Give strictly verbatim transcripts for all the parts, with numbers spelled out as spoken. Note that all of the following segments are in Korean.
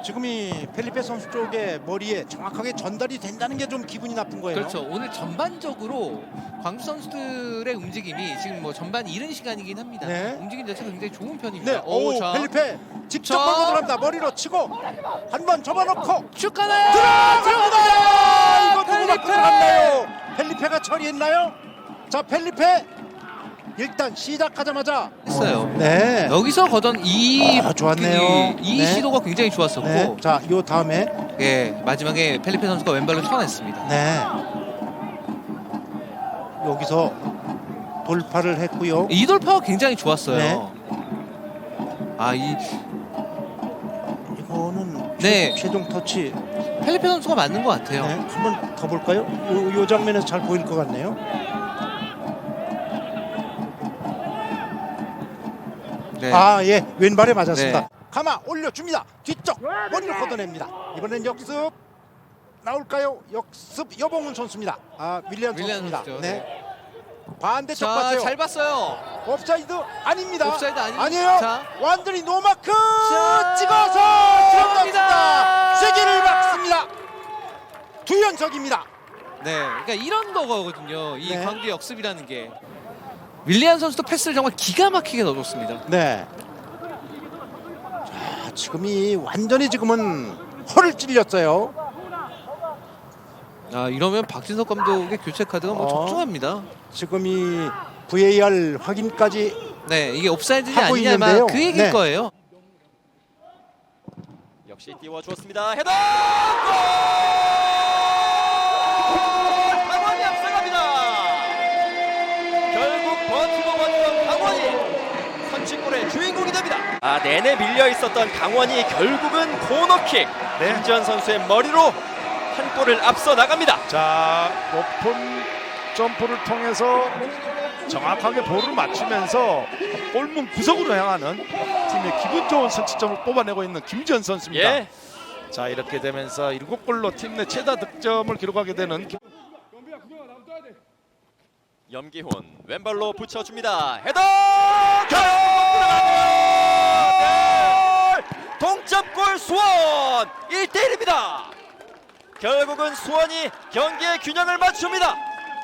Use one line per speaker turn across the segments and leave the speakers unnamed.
지금 이 펠리페 선수 쪽의 머리에 정확하게 전달이 된다는 게 좀 기분이 나쁜 거예요.
그렇죠. 오늘 전반적으로 광주 선수들의 움직임이 지금 뭐 전반 이른 시간이긴 합니다.
네.
움직임 자체가 굉장히 좋은 편입니다.
네, 오,
자.
펠리페 직접
자.
걸고 들어갑니다. 머리로 치고 한 번 접어놓고
슛 가나요?
들어갑니다. 이거 누구
펠리페!
맞고 들어갔나요? 펠리페가 처리했나요? 자, 펠리페 일단 시작하자마자
했어요.
네.
여기서 거던 이
아, 좋았네요.
이
네.
시도가 굉장히 좋았었고,
네. 자, 요 다음에
예, 마지막에 펠리페 선수가 왼발로 쳐냈습니다.
네. 여기서 돌파를 했고요.
이 돌파가 굉장히 좋았어요.
네.
아, 이
이거는
네.
최, 최종 터치.
펠리페 선수가 맞는 것 같아요.
네. 한 번 더 볼까요? 요, 요 장면에서 잘 보일 것 같네요.
네.
아, 예, 왼발에 맞았습니다.
네.
가마 올려줍니다. 뒤쪽 머리를 걷어냅니다. 이번엔 역습 나올까요? 역습 여봉훈 선수입니다. 아, 윌리안
윌리안
선수입니다.
선수죠.
네.
네.
반대쪽
자,
봤어요.
잘 봤어요.
옵사이드 아닙니다.
옵사이드 아닙니다.
아니에요.
자.
완전히 노마크
자,
찍어서
들어갑니다.
들어갑니다. 쐐기를 막습니다. 두 연속입니다.
네, 그러니까 이런 거거든요. 이
네.
광주 역습이라는 게. 윌리안 선수도 패스를 정말 기가 막히게 넣어줬습니다.
네. 자, 지금이 완전히 지금은 허를 찔렸어요.
아, 이러면 박진석 감독의 교체 카드가 뭐
어.
적중합니다.
지금 이 브이에이알 확인까지
네, 이게 옵사이드냐
하고
아니냐 아마
있는데요.
그 얘기일
네.
거예요.
역시 띄워주었습니다. 헤더! 골! 강원이 앞서갑니다. 결국 버티고 버티던 강원이 선취골의 주인공이 됩니다. 아, 내내 밀려 있었던 강원이 결국은 코너킥.
네.
김지현 선수의 머리로 한 골을 앞서 나갑니다.
자, 높은 점프를 통해서 정확하게 볼을 맞추면서 골문 구석으로 향하는 팀의 기분 좋은 선취점을 뽑아내고 있는 김지현 선수입니다.
예.
자, 이렇게 되면서 일곱 골로 팀 내 최다 득점을 기록하게 되는 김...
염기훈 왼발로 붙여줍니다. 헤더! 결국 들어가네요. 동점골 수원 일 대 일입니다. 결국은 수원이 경기의 균형을 맞춥니다.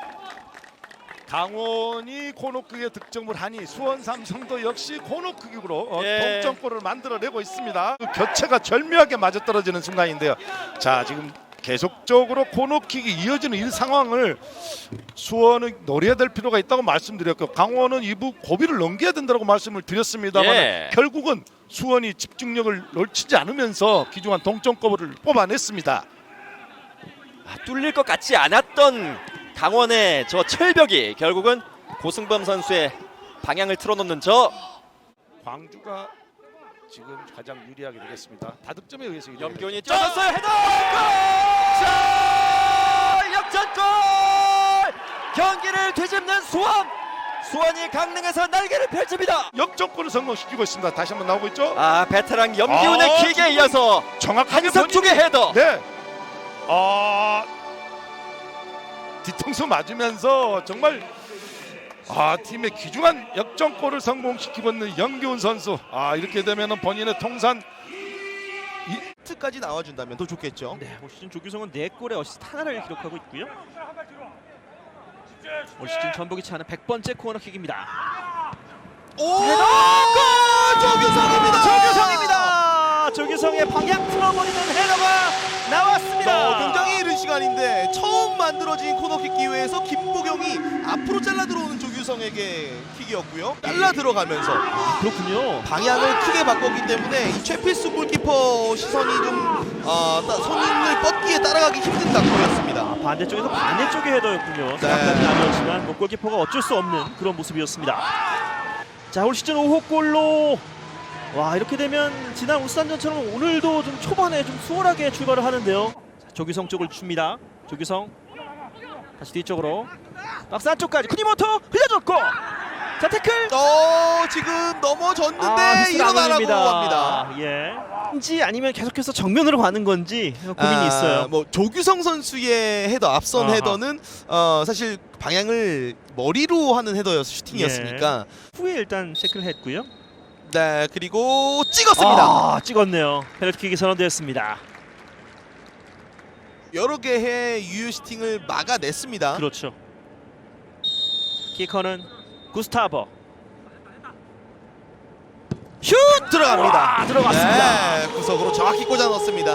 강원이 코너킥에 득점을 하니 수원 삼성도 역시 코너킥으로 어,
예.
동점골을 만들어내고 있습니다. 그 교체가 절묘하게 맞아떨어지는 순간인데요. 자, 지금 계속적으로 코너킥이 이어지는 이 상황을 수원은 노려야 될 필요가 있다고 말씀드렸고, 강원은 이부 고비를 넘겨야 된다고 말씀을 드렸습니다만
예.
결국은 수원이 집중력을 놓치지 않으면서 귀중한 동점골을 뽑아냈습니다.
아, 뚫릴 것 같지 않았던 강원의 저 철벽이 결국은 고승범 선수의 방향을 틀어놓는 저
광주가 지금 가장 유리하게 되겠습니다. 다득점에 의해서 유리하게
염기훈이
되겠죠.
쪄졌어요. 헤더! 골! 역전골! 경기를 뒤집는 수원! 수원이 강릉에서 날개를 펼칩니다.
역전골을 성공시키고 있습니다. 다시 한번 나오고 있죠.
아, 베테랑 염기훈의
아,
킥에
지금
이어서
정확하게
한석중의
본인이-
헤더.
네. 아, 뒤통수 맞으면서 정말 아, 팀의 귀중한 역전골을 성공시키고 있는 염기훈 선수. 아, 이렇게 되면은 본인의 통산
까지 나와준다면 더 좋겠죠.
네, 올 시즌 조규성은 네 골의 어시스트 하나를 기록하고 있고요. 올 시즌 전복이 차는 백 번째 코너킥입니다.
오! 골! 조규성입니다.
조규성입니다. 조규성의 방향 틀어버리는 헤더가 나왔습니다.
어, 굉장히 이른 시간인데 처음 만들어진 코너킥 기회에서 김보경이 앞으로 잘라 들어오는 조규성에게 킥이었고요. 잘라 들어가면서
그렇군요.
방향을 크게 바꿨기 때문에 이 최필수 골키퍼 시선이 좀 어, 따, 손을 뻗기에 따라가기 힘든 각도였습니다.
반대쪽에서 반대쪽의 헤더였군요.
네.
생각까지 아니었지만 뭐 골키퍼가 어쩔 수 없는 그런 모습이었습니다. 자, 올 시즌 오 호 골로 와, 이렇게 되면 지난 울산전처럼 오늘도 좀 초반에 좀 수월하게 출발을 하는데요. 자, 조규성 쪽을 줍니다. 조규성 다시 뒤쪽으로 박스 안쪽까지 쿠니모토 흘려줬고, 자, 태클.
어, 지금 넘어졌는데
아, 휘슬 안
일어나라고
올립니다.
합니다.
예. 인지 아니면 계속해서 정면으로 가는 건지 고민이
아,
있어요.
뭐 조규성 선수의 헤더 앞선
아하.
헤더는 어, 사실 방향을 머리로 하는 헤더였 슈팅이었으니까
후에 일단 체크를 했고요.
네, 그리고 찍었습니다.
아, 찍었네요. 페널티킥이 선언되었습니다.
여러 개의 유효슈팅을 막아냈습니다.
그렇죠. 키커는 구스타버.
슛 들어갑니다.
와, 들어갔습니다.
네, 구석으로 정확히 꽂아 넣습니다.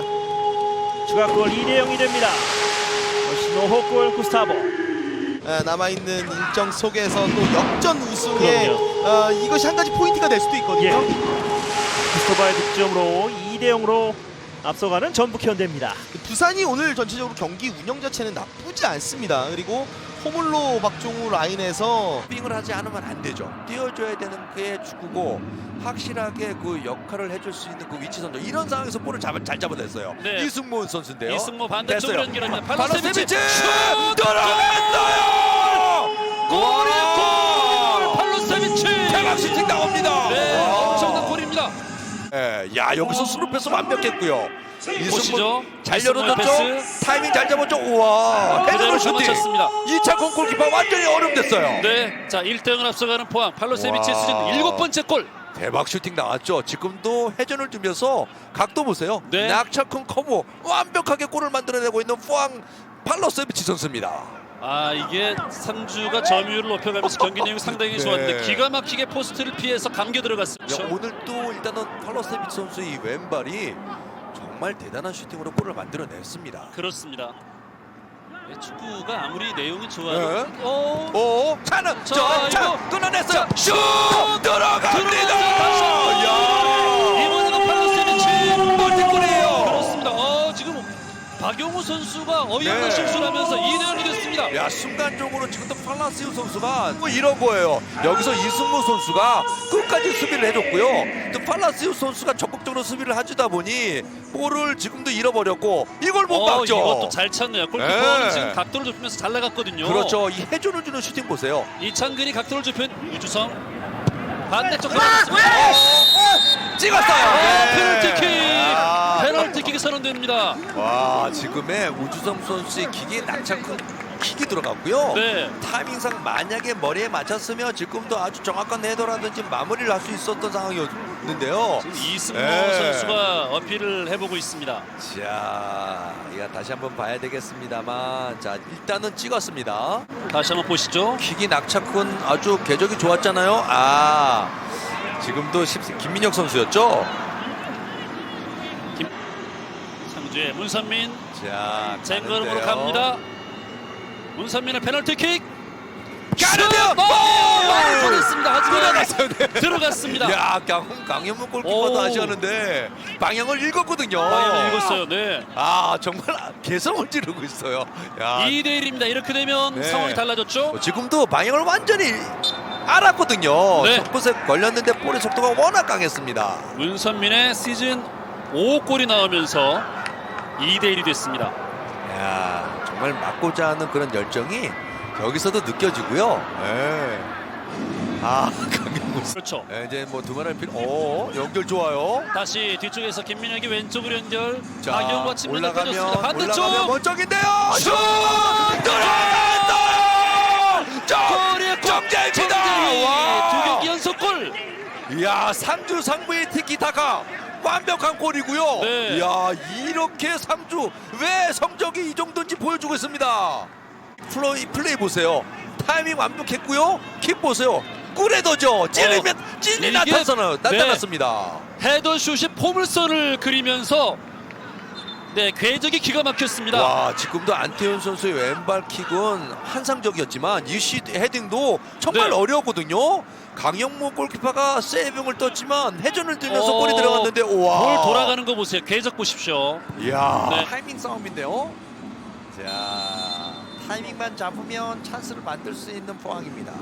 추가골 이 대 영이 됩니다. 역시 노호골 구스타버.
네, 남아있는 일정 속에서 또 역전 우승에
그럼요.
어, 이것이 한 가지 포인트가 될 수도 있거든요.
예. 구스타버의 득점으로 이 대 영으로 앞서가는 전북 현대입니다.
부산이 오늘 전체적으로 경기 운영 자체는 나쁘지 않습니다. 그리고 호물로 박종우 라인에서
빙을 하지 않으면 안 되죠. 띄워줘야 되는 게 축구고 확실하게 그 역할을 해줄 수 있는 그 위치 선정 이런 상황에서 볼을 잡아, 잘 잡아냈어요.
네.
이승모 선수인데요.
이승모 반대쪽으로
됐어요.
연결합니다.
팔로세비치
팔로세비치
들어갔어요.
골이야 골! 팔로세비치
대박 슈팅 나옵니다.
네,
와.
엄청난 골입니다.
예, 야 여기서 스루 패스 완벽했고요.
보시죠.
잘
이승모의
열어줬죠.
패스.
타이밍 잘 잡았죠. 우와.
그대로
헤드로 슈팅.
맞췄습니다.
이창권 골키퍼 완전히 얼음됐어요.
네, 자 일 대 영을 앞서가는 포항 팔로세비치의
와.
시즌 일곱 번째 골.
대박 슈팅 나왔죠. 지금도 회전을 주면서 각도 보세요.
네.
낙차큰 커브 완벽하게 골을 만들어내고 있는 포항 팔로세비치 선수입니다.
아 이게 상주가 점유율을 높여가면서 경기 내용이 상당히
네.
좋았는데 기가 막히게 포스트를 피해서 감겨 들어갔습니다.
야, 오늘 또 일단은 팔로세비치 선수의 이 왼발이 정말 대단한 슈팅으로 골을 만들어냈습니다.
그렇습니다. 네, 축구가 아무리 내용이 좋아도
네.
어,
오, 차는
자,
저, 차
이거.
끊어냈어요. 슛 들어갑니다.
들어가죠. 다시 한번.
야,
이번에는 팔로세비치
멀티골이에요.
그렇습니다. 어, 지금 박용우 선수가 어이없는
네.
실수를 하면서 이 대 영이 됐습니다.
야, 순간적으로 지금도 팔라시오 선수가 뭐 이런 거예요. 여기서 이승모 선수가 끝까지 수비를 해줬고요. 또 팔라시오 선수가 적극적으로 수비를 해주다 보니 볼을 지금도 잃어버렸고 이걸 못
어,
막죠.
이것도 잘 찼네요. 골키퍼는
네.
지금 각도를 좁히면서 잘 나갔거든요.
그렇죠. 이 해준을 주는 슈팅 보세요.
이창근이 각도를 좁힌 우주성 반대쪽
아,
들어갔습니다.
찍었어요.
어,
네.
페널티킥
아.
페널티킥이 선언됩니다.
와, 지금의 우주성 선수의 킥이 낙차큰 킥이 들어갔고요.
네.
타이밍상 만약에 머리에 맞췄으면 지금도 아주 정확한 헤더라든지 마무리를 할 수 있었던 상황이었는데요.
이승모
네.
선수가 어필을 해보고 있습니다.
자, 이거 다시 한번 봐야 되겠습니다만, 자 일단은 찍었습니다.
다시 한번 보시죠.
킥이 낙차큰 아주 궤적이 좋았잖아요. 아, 지금도 십- 김민혁 선수였죠.
상주의 문선민
자,
쟁걸음으로
가는데요.
갑니다. 문선민의 페널티킥
가는데요.
어, 많이 보냈습니다. 하지만
들어갔어요. 네.
들어갔습니다.
야, 강, 강현무 골키퍼도
오.
하셨는데 방향을 읽었거든요.
방향을 읽었어요. 네.
아, 정말 개성을 지르고 있어요. 야,
이 대 일입니다. 이렇게 되면
네.
상황이 달라졌죠.
어, 지금도 방향을 완전히 알았거든요.
네.
속곳에 걸렸는데 볼의 속도가 워낙 강했습니다.
문선민의 시즌 오 골이 나오면서 이 대 일이 됐습니다.
야, 정말 막고자 하는 그런 열정이 여기서도 느껴지고요. 네. 아, 강현무.
그렇죠.
네, 이제 뭐 두말할 필요. 오, 연결 좋아요.
다시 뒤쪽에서 김민혁이 왼쪽으로 연결.
자,
박영과 측면에
올라가면
펴졌습니다. 반대쪽
올라가면 먼쪽인데요. 슛 들어갔어요.
골이야, 골!
정재입니다.
정재희!
와.
두 경기 연속 골.
이야, 상주 상부의 티키타카 완벽한 골이고요.
네.
이야, 이렇게 상주 왜 성적이 이 정도인지 보여주고 있습니다. 플레이, 플레이 보세요. 타이밍 완벽했고요. 킥 보세요. 꿀에더죠. 찌르면
어,
찐이
이게-
나타나요.
네.
나타났습니다.
헤더슛이 포물선을 그리면서 네 궤적이 기가 막혔습니다.
와, 지금도 안태현 선수의 왼발 킥은 환상적이었지만 이 시 헤딩도 정말
네.
어려웠거든요. 강영모 골키퍼가 세이빙을 떴지만 회전을 들면서
어,
골이 들어갔는데 우와.
볼 돌아가는 거 보세요. 궤적 보십시오.
이야,
네.
타이밍 싸움인데요. 자, 타이밍만 잡으면 찬스를 만들 수 있는 포항입니다.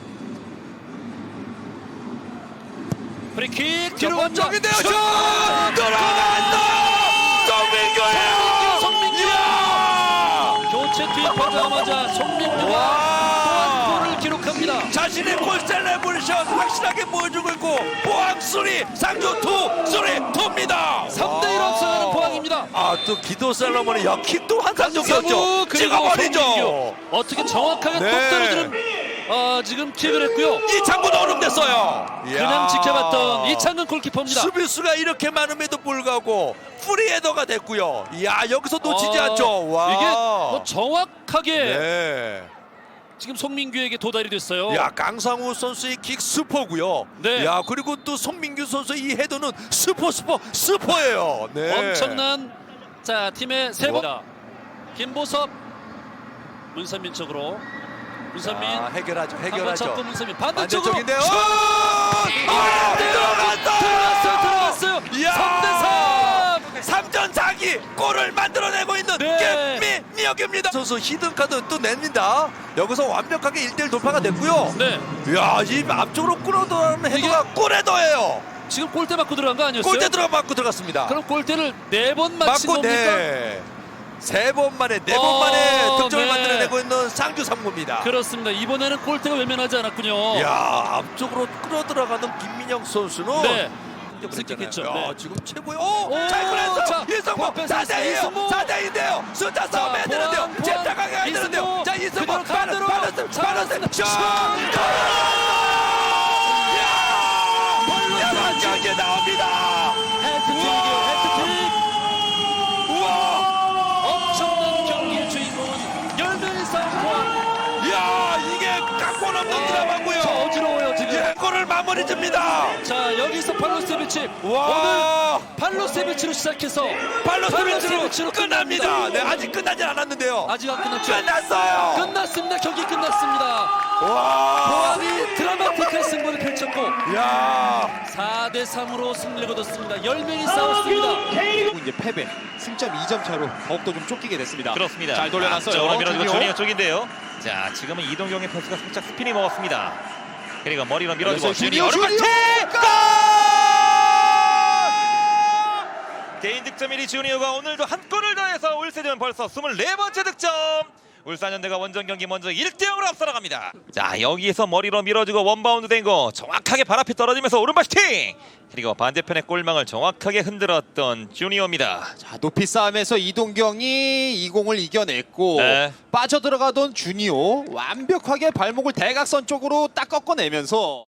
프리킥 뒤로 갑니다.
정인데요. 슛 들어간다. 정민규예요.
성민규.
이야.
교체 투입하자마자 송민규가
와.
또한 골을 기록합니다.
자신의 골 셀레브레이션 확실하게 보여주고 있고 포항 쓰리 상주 투 쓰리 투입니다.
삼 대 일 앞서가는 포항입니다.
아, 또 기도 셀러머니 역킥도 환상적이었죠.
강성우 그리고
찍어버리죠.
송민규. 어떻게 정확하게
네.
똑 떨어지는 어, 지금 킥을 했고요.
이창근 얼음됐어요.
그냥 지켜봤던 이창근 골키퍼입니다.
수비수가 이렇게 많음에도 불구하고 프리헤더가 됐고요. 이야 여기서 놓치지
아,
않죠. 와.
이게 뭐 정확하게
네.
지금 송민규에게 도달이 됐어요.
야 강상우 선수의 킥 슈퍼고요.
네.
야 그리고 또 송민규 선수의 이 헤더는 슈퍼 슈퍼 슈퍼예요. 네.
엄청난 자 팀의 세 번. 김보섭, 문선민 쪽으로. 문선민
아, 해결하죠.
한번
해결하죠.
잡고 문선민 반대쪽으로
반대쪽인데요.
슛!
아, 들어갔어요.
들어갔어요. 들어갔어요.
이야.
삼 대 삼.
삼 전 사 기 골을 만들어내고 있는
네.
김민혁입니다. 선수 히든 카드 또 냅니다. 여기서 완벽하게 일 대 일 돌파가 됐고요.
네.
이야 이 앞쪽으로 끌어들어가는 헤더가 골헤더예요.
지금 골대 맞고 들어간 거 아니었어요?
골대 들어가 맞고 들어갔습니다.
그럼 골대를 네 번 맞힌
맞고
겁니까?
네. 세 번 만에 네 번
어,
만에 득점을
네.
만들어내고 있는 상주 삼구입니다.
그렇습니다. 이번에는 골대가 외면하지 않았군요.
이야 앞쪽으로 끌어들어가는 김민영 선수는
네.
습득했죠.
습득했죠. 네.
지금 최고의 오!
오,
잘 끌었어.
자,
이승모
보안 뺏어냈어요.
사 대이에요.
이승모.
사 대인데요. 숫자 싸움 해야
보안,
되는데요.
보안.
침착하게 해야
이승모.
되는데요. 자 이승모
그대로 가드로.
빠졌어.
자,
빠졌어.
슛.
슛! 야! 경기 나옵니다.
해트트릭이에요. 해트트릭.
우와!
엄청난 경기의 주인공은 열명의 싸움 보안.
야 이게 각본 없는 드라마고요.
저 어지러워요 지금.
예, 골을 마무리 줍니다.
자 여기서 팔로세비치
와!
오늘 팔로세비치로 시작해서
팔로세비치로
팔로세비치로
끝납니다.
끝납니다.
네, 아직 끝나지 않았는데요.
아직 안 끝났죠?
끝났어요.
끝났습니다. 경기 끝났습니다.
와!
보안이 드라마틱한 승부를 펼쳤고
야!
사 대 삼으로 승리를 거뒀습니다. 열 명이 싸웠습니다.
이제 패배, 승점 이 점 차로 더욱더 좀 쫓기게 됐습니다.
그렇습니다.
잘 돌려놨어요.
앞쪽으로 밀어주고
주니어.
주니어 쪽인데요. 자, 지금은 이동경의 패스가 살짝 스피니 먹었습니다. 그리고 머리로 밀어주고
주니어,
주니어
주니어!
오른발 개인 득점 일 위 주니어가 오늘도 한 골을 더해서 올 시즌 벌써 스물네 번째 득점. 울산현대가 원정 경기 먼저 일 대 영으로 앞서 나갑니다. 자, 여기에서 머리로 밀어주고 원바운드 된 거 정확하게 발 앞에 떨어지면서 오른발 슈팅. 그리고 반대편의 골망을 정확하게 흔들었던 주니어입니다.
자, 높이 싸움에서 이동경이 이 공을 이겨냈고
네.
빠져들어가던 주니어 완벽하게 발목을 대각선 쪽으로 딱 꺾어내면서